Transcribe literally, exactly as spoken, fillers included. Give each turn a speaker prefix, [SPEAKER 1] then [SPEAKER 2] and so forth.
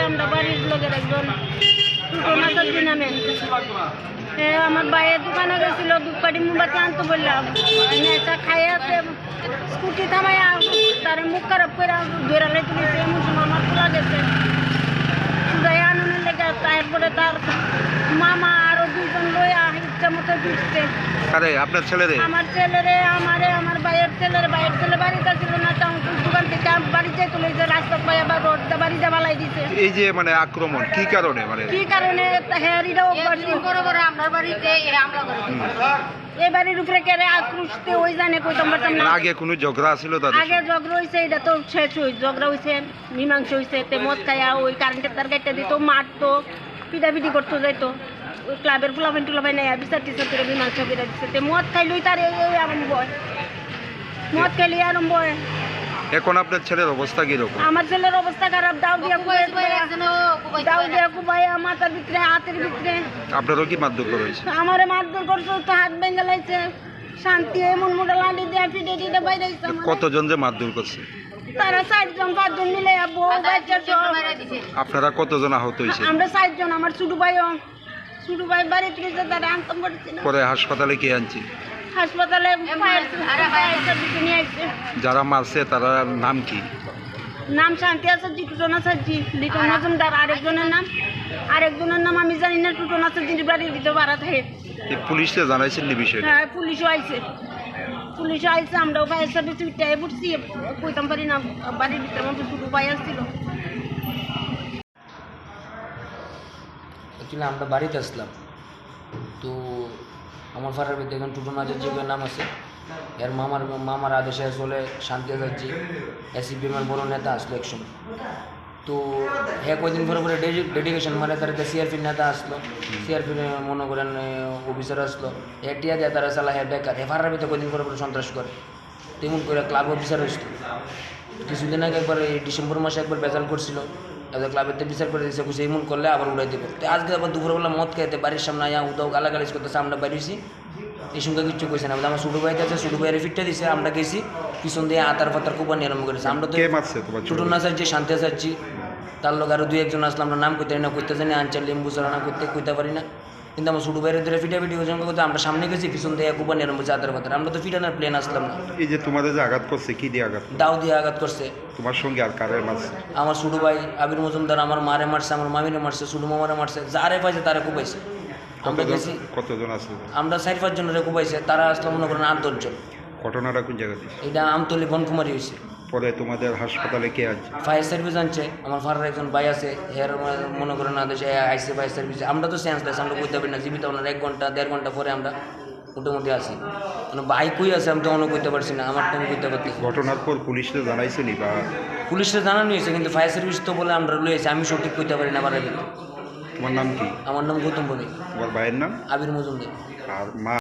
[SPEAKER 1] আমরা বাড়ির লোকের একজন টুটো নামে আমার ভাইয়ের দোকানে গেছিল দুপাটি মোমবাতি আনতে বললাম নেতা খাইয়ে আছে স্কুটি থামাই তার মুখ খারাপ করে ধরে লেগে তুলেছে এমন সময় আমার তোলা গেছে সুদাই আনন্দের লেগে তারপরে তার মামা আরো দুইজন লইয়া ইচ্ছা মতো ফিরছে।
[SPEAKER 2] আরে আপনার ছেলেরে
[SPEAKER 1] আমার ছেলেরে আমারে আমার ভাইয়ের ছেলের ভাইয়ের ছেলে বাড়িতে ছিল না দোকান থেকে বাড়িতে তুলে যে রাস্তা পাই আবার রোডটা বাড়িতে বালাই দিছে।
[SPEAKER 2] এই যে মানে আক্রমণ কি কারণে মানে
[SPEAKER 1] কি কারণে হেয়ারিটাও বড় বড় আমার বাড়িতে হামলা করে এই বাড়ির উপরে কেড়ে আক্রুশতে ওই জানে কইতাম পারতাম না।
[SPEAKER 2] আগে কোনো ঝগড়া ছিল তাদের
[SPEAKER 1] আগে ঝগড়া হইছে এটা তো শেষ হই ঝগড়া হইছে মীমাংসা হইছে তে মদ খাইয়া ওই কারেন্টের তার কাটতে দিত মারতো পিটাপিটি করতে যাইতো ওই ক্লাবের ফুলাবেন টুলাবেন নাই বিচার টিচার করে মীমাংসা করে দিচ্ছে তে মদ খাইলই তার এই এই আরম্ভ হয় মদ খাইলেই আরম্ভ হয়।
[SPEAKER 2] এখন আপনার ছেলের অবস্থা কিরকম?
[SPEAKER 1] আমার ছেলের অবস্থা খারাপ দাও দিয়া দাও দিয়া কুবাই মাথার ভিতরে হাতের ভিতরে।
[SPEAKER 2] আপনারও কি মারধর করা হয়েছে?
[SPEAKER 1] আমারে মারধর করছে তো হাত ভেঙে লাইছে শান্তি এমন মোটা লাঠি দিয়ে ফিটে ফিটে বাইরে
[SPEAKER 2] কতজন যে মারধর করছে?
[SPEAKER 1] তারা চারজন পাঁচজন মিলে বউ বাচ্চা
[SPEAKER 2] আপনারা কতজন আহত হয়েছে?
[SPEAKER 1] আমরা চারজন আমার ছোট ভাইও ছোট ভাই বাড়িতে গেছে তারা আনতাম করছে না
[SPEAKER 2] পরে হাসপাতালে কে আনছি?
[SPEAKER 1] হাসপাতালে নিয়ে আসছে।
[SPEAKER 2] যারা মারছে তারা নাম কি?
[SPEAKER 1] নাম শান্তি আছে জি টুটনা সাজি লিটন মজুমদার আরেকজনের নাম আরেকজনের নাম আমি জানি না টুটনা সাজির বাড়ির ভিতরে ভাড়া থাকে।
[SPEAKER 2] পুলিশে জানাইছেন নি বিষয়?
[SPEAKER 1] হ্যাঁ পুলিশও আইছে পুলিশও আইছে আমরাও ফায়ার সার্ভিস উঠে পড়ছি কইতাম পারি না বাড়ির ভিতরে আমার দুটো ভাই আসছিল।
[SPEAKER 3] অ্যাকচুয়ালি আমরা বাড়িতে আসলাম তো আমার ফারার ভিতরে এখন টুটু নাজের যে নাম আছে এর মামার মামার আদেশে আসলে শান্তি আজাদজি এসিপিএমের বড় নেতা আসলো একসময় তো হ্যাঁ কয়দিন পরে পরে ডেডিকেশন মানে তার সিআরপির নেতা আসলো সিআরপির মনে করেন অফিসার আসলো হ্যাঁ টিয়া দেয় তারা চালা হ্যাঁ বেকার হ্যাঁ ফারার ভিতরে কয়দিন পরে পরে সন্ত্রাস করে তেমন করে ক্লাব অফিসার আসতো কিছুদিন আগে একবার এই ডিসেম্বর মাসে একবার বেজাল করছিল এবার ক্লাবের বিচার করে দিয়েছে বুঝে এমন করলে আবার উড়াই দেবো তো আজকে আবার দুপুরবেলা মদ খাইতে বাড়ির সামনে আয়া উদাও গালাগালিজ করতেছে আমরা বেরিয়েছি এই সঙ্গে কিচ্ছু কইছে না আমার ছোটো ভাইতে আছে ছোটো ভাইয়ের ফিটটা দিছে আমরা গেছি পিছন দিয়ে আতার ফাতার কুপানি আরম্ভ করেছি আমরা তো ছোটো না চাচ্ছি শান্তি চাচ্ছি তার লোক আরও দুই একজন আসলে আমরা নাম করতে না করতে জানি আনচার লিম্বু চড়ানা করতে কইতে পারি না কিন্তু আমার ছোটো ভাইয়ের ধরে ফিটা ফিটি ওজন করতে আমরা সামনে গেছি পিছন দিয়ে কুপানি আরম্ভ করছি আতার ফাতার আমরা তো ফিটানোর প্লেন আসলাম না।
[SPEAKER 2] এই যে তোমাদের যে আঘাত করছে কি দিয়ে আঘাত?
[SPEAKER 3] দাও দিয়ে আঘাত করছে।
[SPEAKER 2] তোমার সঙ্গে আর কারে মারছে?
[SPEAKER 3] আমার ছোটো ভাই আবির মজুমদার আমার মারে মারছে আমার মামিরে মারছে ছোটো মামারে মারছে যারে পাইছে তারা কুপাইছে। আমরা গেছি
[SPEAKER 2] কতজন আসলো?
[SPEAKER 3] আমরা চার পাঁচজনের কুপাইছে তারা আসলে মনে করেন আট দশজন।
[SPEAKER 2] ঘটনাটা কোন জায়গাতে?
[SPEAKER 3] এটা আমতলি বনকুমারী হয়েছে।
[SPEAKER 2] পরে তোমাদের হাসপাতালে কে আছে?
[SPEAKER 3] ফায়ার সার্ভিস আনছে আমার ফারার একজন ভাই আছে হের মনে করেন আদেশে আইসে ফায়ার সার্ভিস আমরা তো সেন্স লেস আমরা কইতে পারি না জীবিত ওনার এক ঘন্টা দেড় ঘন্টা পরে আমরা মোটামুটি আসি মানে বাইকই আছে আমি তো অন্য করতে পারছি না আমার তো কইতে পারছি।
[SPEAKER 2] ঘটনার পর পুলিশে জানাইছে নি বা?
[SPEAKER 3] পুলিশে জানানো হয়েছে কিন্তু ফায়ার সার্ভিস তো বলে আমরা লইয়েছি আমি সঠিক কইতে পারি না আমার।
[SPEAKER 2] তোমার নাম কি?
[SPEAKER 3] আমার নাম গৌতম বণিক।
[SPEAKER 2] তোমার ভাইয়ের নাম?
[SPEAKER 3] আবির মজুমদার।
[SPEAKER 2] আর মা?